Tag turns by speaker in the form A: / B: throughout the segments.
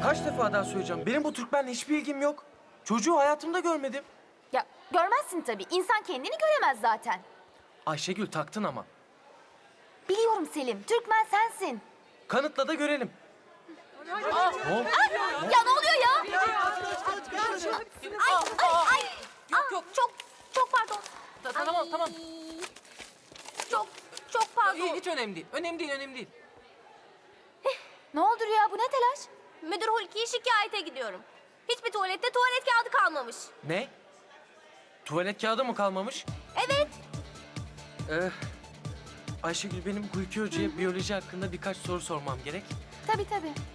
A: kaç defa daha söyleyeceğim. Benim bu Türkmenle hiçbir ilgim yok. Çocuğu hayatımda görmedim.
B: Ya görmezsin tabii. İnsan kendini göremez zaten.
A: Ayşegül taktın ama.
B: Biliyorum Selim. Türkmen sensin.
A: Kanıtla da görelim.
B: Ya ne oluyor ya? Ay.
C: Yok.
B: Çok pardon.
C: Tamam.
B: Çok pardon.
C: Hiç önemli değil. Önemli değil.
B: Ne oldu Rüya? Bu ne telaş?
D: Müdür Hulki'yi şikayete gidiyorum. Hiçbir tuvalette tuvalet kağıdı kalmamış.
A: Ne? Tuvalet kağıdı mı kalmamış?
D: Evet.
A: Ayşegül benim Hulki Hoca'ya biyoloji hakkında birkaç soru sormam gerek.
B: Tabii.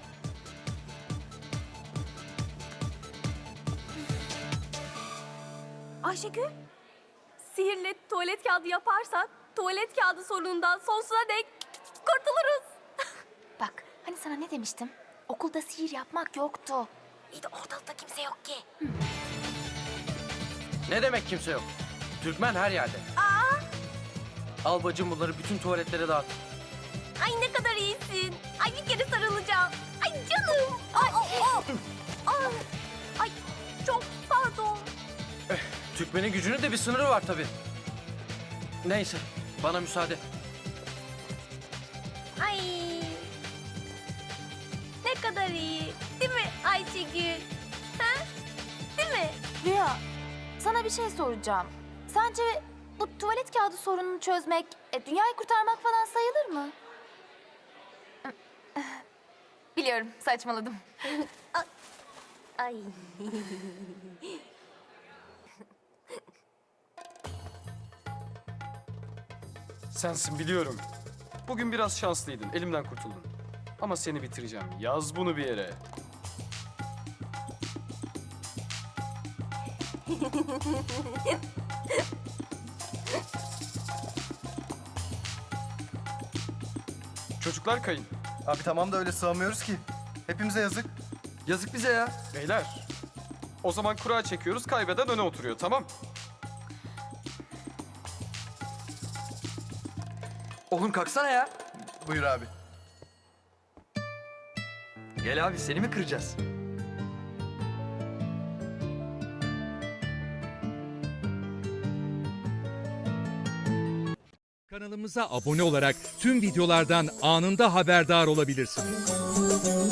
D: Ayşegül, sihirle tuvalet kağıdı yaparsak tuvalet kağıdı sorunundan sonsuza dek kurtuluruz.
B: Bak hani sana ne demiştim? Okulda sihir yapmak yoktu.
D: İyi de ortalıkta kimse yok ki.
A: Ne demek kimse yok? Türkmen her yerde. Al bacım bunları bütün tuvaletlere dağıt.
D: Ay ne kadar iyisin. Ay bir kere sarılacağım. Ay canım. Ay çok pardon.
A: Türkmenin gücünün de bir sınırı var tabii. Neyse bana müsaade.
D: Ay ne kadar iyi. Değil mi Ayşegül? Ha? Değil mi?
B: Rüya, sana bir şey soracağım. Sence bu tuvalet kağıdı sorununu çözmek, dünyayı kurtarmak falan sayılır mı? Biliyorum, saçmaladım.
D: Ay.
E: Sensin biliyorum. Bugün biraz şanslıydın, elimden kurtuldun. Ama seni bitireceğim. Yaz bunu bir yere. Çocuklar kayın.
F: Abi tamam da öyle sığamıyoruz ki. Hepimize yazık.
G: Yazık bize ya.
E: Beyler. O zaman kura çekiyoruz, kaybeden öne oturuyor, tamam?
G: Oğlum kalksana ya.
F: Buyur abi.
G: Gel abi seni mi kıracağız?
H: Kanalımıza abone olarak tüm videolardan anında haberdar olabilirsiniz.